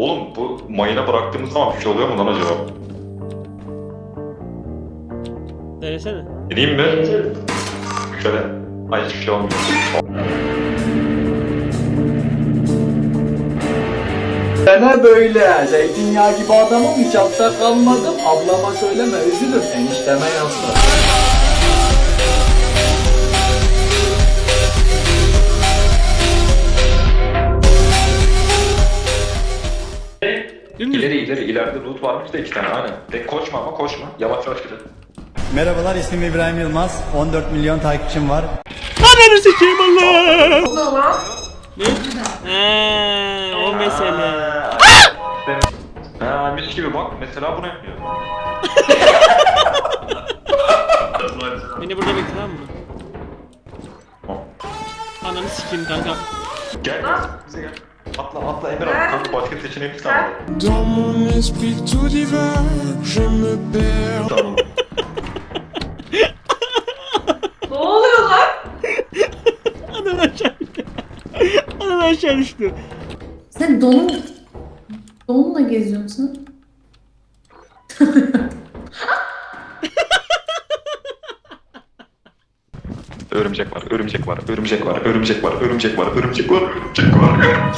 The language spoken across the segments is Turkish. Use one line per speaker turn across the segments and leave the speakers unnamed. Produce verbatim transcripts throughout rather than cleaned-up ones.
Oğlum bu mayına bıraktığımız zaman bir şey oluyor mu lan acaba?
Denesene.
Deneyeyim mi? Şöyle. Ay hiçbir şey olmuyor.
Dene böyle. Zeytinyağı gibi adamım hiç altta kalmadım. Ablama söyleme üzülür. Enişteme yazsın.
Dümdüz.
İleri ileri ileride loot varmış da iki tane aynen. De koşma ama koşma. Yavaş yavaş gidelim.
Merhabalar, ismim İbrahim Yılmaz. on dört milyon takipçim var.
Ananı sikeyim Allah.
Ne oldu lan?
Ne? Eee o mesele.
Ha mis gibi bak mesela bunu yapıyor.
Beni burada bekle tamam mı? Ananı sikeyim kanka.
Gel bize gel. Atla atla Emir abi. Kanka başka seçeneğimiz kalmadı.
Dans mon esprit tout divin, je me perds.
Tamam.
Ne oluyor lan?
Anan aşağı düştü. Anan aşağı düştü.
Sen donun... Donla geziyorsun sen.
Örümcek var, örümcek var, örümcek var, örümcek var, örümcek var, örümcek var, örümcek var.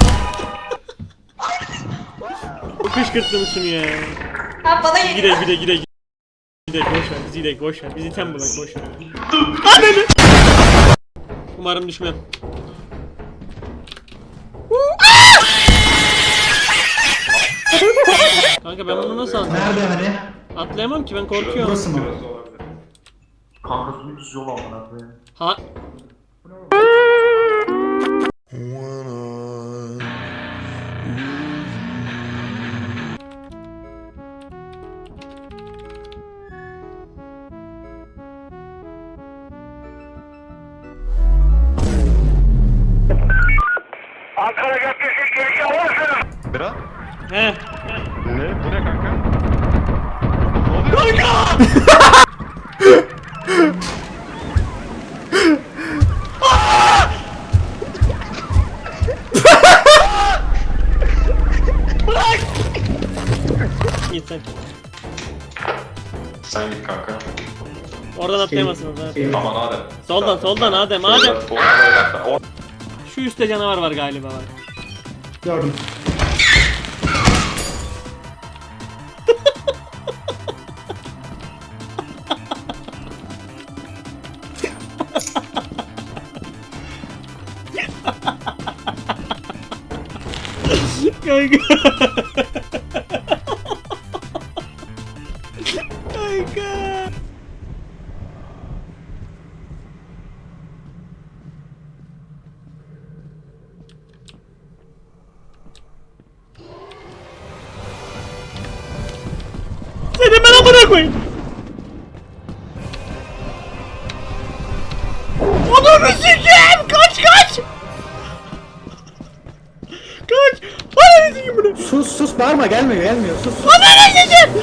Kışkırttın şunu ya.
Ha bana
Gide
geliyor.
gide gide gide. Gide boş ver bizi gide boş ver. Bizi tem bulak boş ver. Ananı. Umarım düşmem. Kanka ben bunu nasıl atlayayım?
Nerede hani?
Atlayamam ki ben korkuyorum.
Burası mı?
Kanka dümdüz yol amına koyayım.
Ha
Bira?
he.
Ne? Bu ne kanka?
Git sen.
Sen git kanka.
Oradan atlayamazsın zaten.
Aman Adem.
Soldan soldan Adem Adem.
Şöyle, soldan, o-
Şu üstte canavar var galiba var.
Gördüm.
Kanka. Kanka. Seni ben amına koyayım. Onu sikeyim. Kaç kaç. Kaç. Ananı sikeyim bunu.
Sus sus bağırma, gelmiyor gelmiyor sus.
Ananı sikeyim.